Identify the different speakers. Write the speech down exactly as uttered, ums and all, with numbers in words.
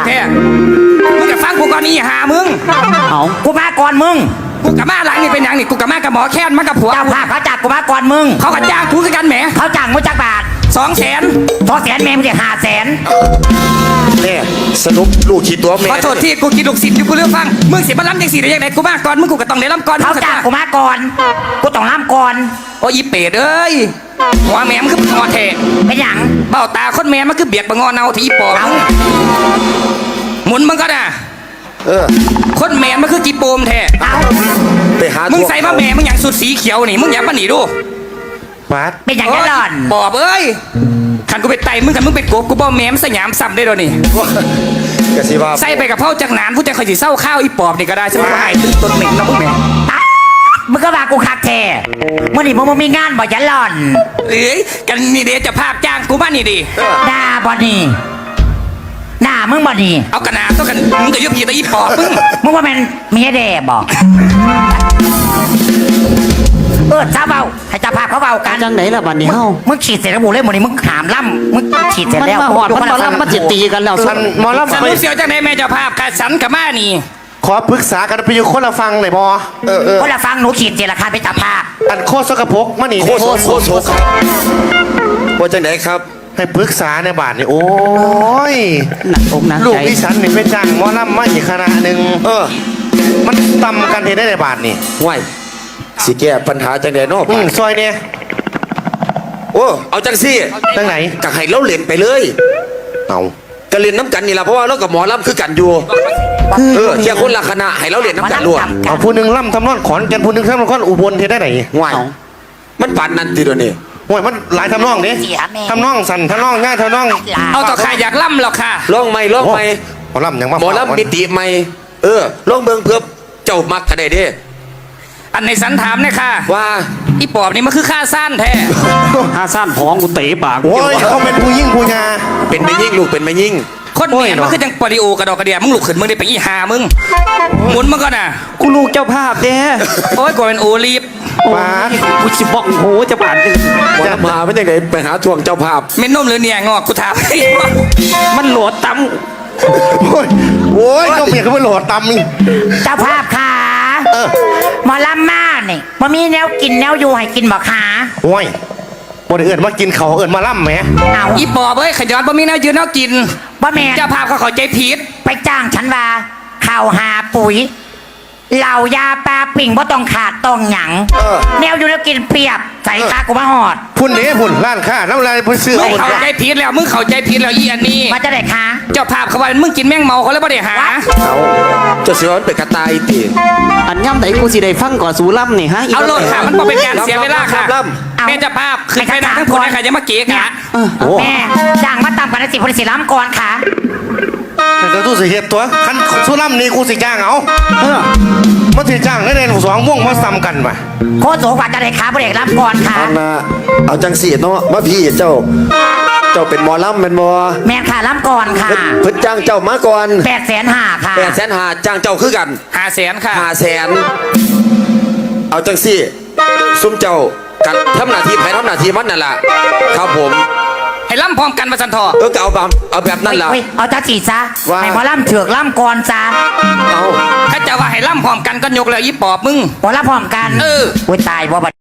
Speaker 1: แท้มึงจะฟังกูก่อนนี่หามึง
Speaker 2: เอากูมาก่อนมึง
Speaker 1: กูกับมาหลังนี่เป็นอย่างนี่กูกับมากับหมอแค้นมากับผัว
Speaker 2: เจ้าภาพเขาจักกูมาก่อนมึง
Speaker 1: เขาก็จ้างกูคือกันแหม
Speaker 2: เขาจ้างมึงจักบาท
Speaker 1: สองแสน
Speaker 2: สองแสนแม่มึงจะห้าแสน
Speaker 3: เนี่ยสรุปลูกขีดตัวแม่
Speaker 1: ขอโทษที่กูกินลูกศิษย์อยู่กูเลือกฟังมึงสิมาล้ำยังสิได้ยังไงกูมาก่อนมึงกูก็ต้องได้ล้ำก่อน
Speaker 2: เขาจ้างกูมาก่อนกูต้องล้ำก่อน
Speaker 1: โอ้ยเป็ดเอ้ยหัวแม่มันคือปงอแทะ
Speaker 2: เป็นหยัง
Speaker 1: เบ้าตาคนแม่มันคือเบียกปงอเนาที่ปอบหมุนมันก็น่ะ
Speaker 3: เออ
Speaker 1: คนแม่มันคือกีโปมแท้
Speaker 3: ไปหา
Speaker 1: มึงใส่มาแม่มึงอย่างสุดสีเขียวนี่มึงอย่ามาหนีดู
Speaker 3: ปัด
Speaker 2: เป็นอย่างนั้นหล่อน
Speaker 1: ปอบเอ้ยขันกูไปไต่มึงขันมึงไปโกบกูบ่แม่มสยามซ้ำได้ด้วยนี่ใส่ไปกับเผาจากหนานผู้ใจคอยสิเศร้าข้าวอีปอบนี่ก็ได้ใช่ไหมว่าไอ้ตึ้งต้นเหม็นนะพวกแม่
Speaker 2: มึงก็มากูคักแท้เมื่อนี่มึงมีงานบ่ยันหล่อน
Speaker 1: เอ้ยกันนี่เดี๋ยวจะภาพจ้างกูบ้านนี่ดิ
Speaker 2: หน้าบ่นี่หน้ามึงบ่นี่
Speaker 1: เอากระนาต้องกันมึงก็ยุบยีตะอีปอบมึง
Speaker 2: มึงว่ามันมีแด่บอกเออจ้าเบาให้จ้าภาพเขาเบากัน
Speaker 4: จังไหนล่ะบัดนี้เฮา
Speaker 2: มึงฉีดเสร็จแล้วบุเล่หมดนี่มึงขามล่ำมึงฉีดเสร็จแล้ว
Speaker 4: มันมาหอดมันมาล่ำมันจะตีกันแล้ว
Speaker 3: สันมอล่ำ
Speaker 1: สันเสียวจังไหนแม่เจ้าภาพกัดสันกับมานี่
Speaker 3: ขอปรึกษากันไปอยู่คนละฟังเลยบอ
Speaker 2: เออเออคนละฟังหนูฉีดเจราคาไปจ้าภาพ
Speaker 3: อันโคตรสกปรกมาหนี
Speaker 5: โคตรโคตรโคตรว่าจังไหนครับ
Speaker 3: ให้ปรึกษาในบาทนี่โอ้ย
Speaker 4: หนักอกหนักใจ
Speaker 3: ลูกดิฉันนี่เป็นจ้างมอล่ำมาอีกคณะหนึ่ง
Speaker 5: เออ
Speaker 3: มันตำกันเห็นได้ในบาทนี่
Speaker 5: ไหวสิแก้ปัญหาจังไหนนอก
Speaker 3: ซอยเนี่ย
Speaker 5: โอ้เอาจังซี่
Speaker 3: จังไหน
Speaker 5: กัให้เราเล่นไปเลย
Speaker 3: เอา
Speaker 5: กะเล่นน้ำกันนี่ละเพราะว่าเรากับหมอลำคือกันอยู่เออเที่ยคนละคณะให้เราเล่นน้ำกันรวม
Speaker 3: เอาผู้หนึ่งล่ำทำนอนขอนแก่นผู้หนึ่งทำนอนอุบลเห็นได้ไหน
Speaker 5: ไหวมันปานนั่นทีเดียวนี่
Speaker 3: โอ้ยมันหลายทำนองนี่ทำนองสั่นทำนองง่ายทำนอง
Speaker 1: เอาต่อใครอยากล่ำหรอกค่ะ
Speaker 5: ร้องไม่ร้องไม่
Speaker 3: หมอล่ำอย่างว่า
Speaker 5: หมอลำมิติไม่เออร้องเบิ่งเพื่อเจ้ามักกระไดเด้
Speaker 1: อันในสันถามเนี่ยค่ะ
Speaker 5: ว่า
Speaker 1: อีปอบนี่มันคือข้าสั้นแท้
Speaker 4: ข้าสั้นผองกูเตะปาก
Speaker 3: โอ้ยเขาเป็นผู้ยิ่งผู้ยา
Speaker 5: เป็นไม่ยิ่งลูกเป็นไม่ยิ่ง
Speaker 1: คนเมียมันคือจังปริโอกระดอกกระเดียมึงลุกขึ้นมึงได้ไปอีหามึงหมุนมึงก่อนน่ะ
Speaker 4: กูลูกเจ้าภาพเด้
Speaker 1: โอ้ยกูเป็นโอลีฟ
Speaker 3: มา
Speaker 4: กูชิบอกโหจะผ่าน
Speaker 5: จะมาไม่ได้ไงไปหาทวงเจ้าภาพ
Speaker 1: เม็นนมหรือเนี่ยงอกกูถาม
Speaker 4: มันโหลดตั้ม
Speaker 3: โอ้ยโอ้ยก็เมียเขาไม่โหลดตำนี่
Speaker 2: เจ้าภาพค่ะหมอลำมาเนี่ยมันมีแนวกินแนวอยู่ให้กินบ่ขา
Speaker 3: โอ้ยบนเอื่นมากินเขาเอื่นมาล่ำไหม
Speaker 1: เอาอีปอบเอ้ยขย้อนบ่มีแนวยืนแนวกิน
Speaker 2: บ่แม่
Speaker 1: เจ้าภาพเขาขอใจผิด
Speaker 2: ไปจ้างฉันว่าข่าวหาปุ๋ยเหล่ายาปลาปิ่งบ่ต้องขาดต้องหยังแนวอยู่แล้วกินเปียบใส่คากูมาหอด
Speaker 3: พุ่นเนี้พุ่นร้านค้าน้ำลายพุ่นเสื้อ
Speaker 1: มึงเข้าใจผิดแล้วมึงเข้าใจผิดแล้วอีอันนี้
Speaker 2: มาจะได้คะ
Speaker 1: เจ้าภาพเขาว่ามึงกินแมงเมาเขาเลยบ่ได้หา
Speaker 5: เอาจะเสียวันเป็นกระต่ายตี
Speaker 4: อันย่ำไหนกูสิได้ฟังก่อนสูล่ำนี่ฮะ
Speaker 1: เอาโลดค่ะมันบ่เป็นการเสียเวลาค่ะแม่เจ้าภาพคือใครนั่งทั้งคนใครจะมาเก๊กะ
Speaker 2: แม่จ้างมาตามกันสิพลสิล้ำก่อนค่ะ
Speaker 3: แต่ตู้สิเหตุตัวคันสุร่ำนี่กูสิจ้างเอาเออมาถือจ้างได้ในสองม่วงมาซ้ำกันป่ะ
Speaker 2: โคตรโสกว่าจะได้ขาพระเอกรับก่อนค่ะ
Speaker 5: เอามาเอาจังสีเนาะมาพี่เจ้าเจ้าเป็นหมอลำเป็นหมอ
Speaker 2: แม่ค่ะรับก่อนค่ะ
Speaker 5: เพิ่นจ้างเจ้ามาก่อน
Speaker 2: แปดแสนห้าค่ะ
Speaker 5: แปดแสนห้าจ้างเจ้าคือกัน
Speaker 1: ห้าแสนค่ะ
Speaker 5: ห้าแสนเอาจังสีซุ่มเจ้ากันทำหน้าที่ใครทำหน้าที่มันนั่นแหละครับผม
Speaker 1: ให้ล่ำพร้อมกันมาสันทอ
Speaker 5: เออเอาแบบเอาแบบนั้นแหละ
Speaker 2: เอาจ้าจีซะให้หมอล่ำเถือกล่ำก่อนซะ
Speaker 1: เอาถ้าจะว่าให้ล่ำพร้อมกันก็ยกเลยยี่ปอบมึง
Speaker 2: หมอล่ำพร้อมกัน
Speaker 1: เออ
Speaker 2: โอ้ยตายบ่